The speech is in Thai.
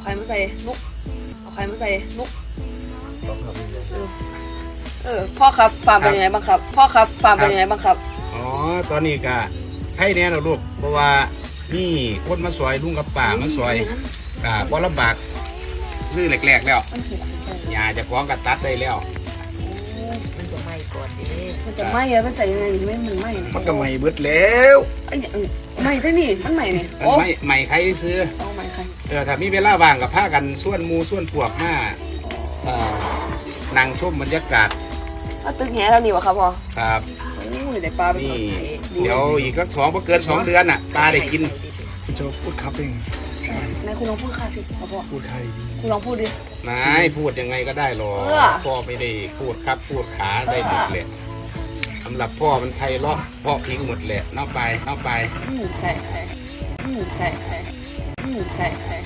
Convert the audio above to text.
ไข่มาใส่นุกเอาไข่มาใส่นุกพ่อครับฟาร์มเป็นยังไงบ้างครับพ่อครับฟาร์มเป็นยังไงบ้างครับอ๋อตอนนี้ก็ให้แน่เราลูกเพราะว่านี่คนมาซอยลุงกับป่ามาซอยบ่ลำบากซื้อแหลกๆแล้วหญ้าจะคล้องกับตัดได้แล้วมันจะไหม้ก่อนดิมันจะไหม้แล้วมันใส่ยังไงไม่มันไหม้มันก็ไหม้เบิดแล้วไหม้ได้นี่มันไหม้นี่ไหม้ใครซื้อไหม้ใครถ้ามีเวลาว่างกับพากันส่วนมูส่วนพวกมานั่งชมบรรยากาศตึกแหแล้วนี่วะครับพ่อครับแต่ปลานี่เดี๋ยวอีกก็เกิน2 เดือนน่ะปลาได้กินคุณจะพูดครับเองนายคุณลองพูดค่ะสิพ่อพูดไทยคุณลองพูดดินายพูดยังไงก็ได้หรอกพ่อไม่ได้พูดครับพูดขาได้หมดเลยสำหรับพ่อมันไทยเลาะพ่อพิงหมดเลยนอกไปใช่ใช่